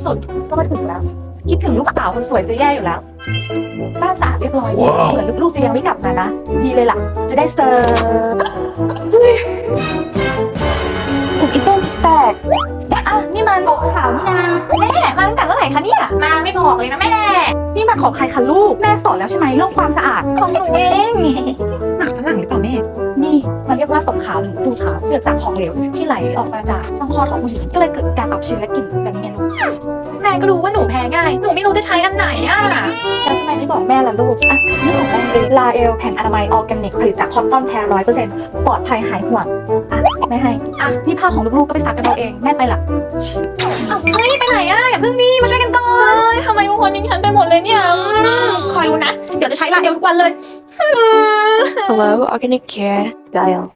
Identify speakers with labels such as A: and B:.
A: สุดก็มาถึงแล้วคิดถึงลูกสาวคนสวยจะแย่อยู่แล้วบ้านสะอาดเรียบร้อยเหมือนลูกๆจะยังไม่กลับมานะดีเลยล่ะจะได้เซิร์ฟถูกอีต้นแตกอ่ะนี่มันบอกข่าวนี่นะแม่มาตั้งแต่เมื่อไหร่คะเนี่ยมาไม่บอกเลยนะแม่นี่มาของใครคะลูกแม่สอนแล้วใช่ไหมเรื่องความสะอาดของหนูเองหนักฝรั่งหรือเปล่าแม่นี่มันเรียกว่าตกขาวหรือดูดขาวเกิดจากของเหลวที่ไหลออกมาจากช่องคลอดของผู้หญิงก็เลยเกิดการอักเชื้อและกลิ่นแบบนี้ไงลูกแม่ก็รู้ว่าหนูแพ้ง่ายหนูไม่รู้จะใช้อันไหนอ่ะแล้วทำไมไม่บอกแม่ล่ะลูกอ่ะนี่ของแม่เลยลาเอลแผ่นอนามัยออร์แกนิกผลิตจากคอตตอนแท้ 100% ปลอดภัยหายห่วงอ่ะแม่ให้อ่ะนี่ผ้าของลูกๆก็ไปซักกันเอาเองแม่ไปละเฮ้ยไปไหนอ่ะอย่าเพิ่งดีมาช่วยกันก่อนทำไมบางคนทิ้งฉันไปหมดเลยเนี่ยคอยดูนะเดี๋ยวจะใช้ลาเอลทุกวันเลย
B: Hello, Organic Care. Gail.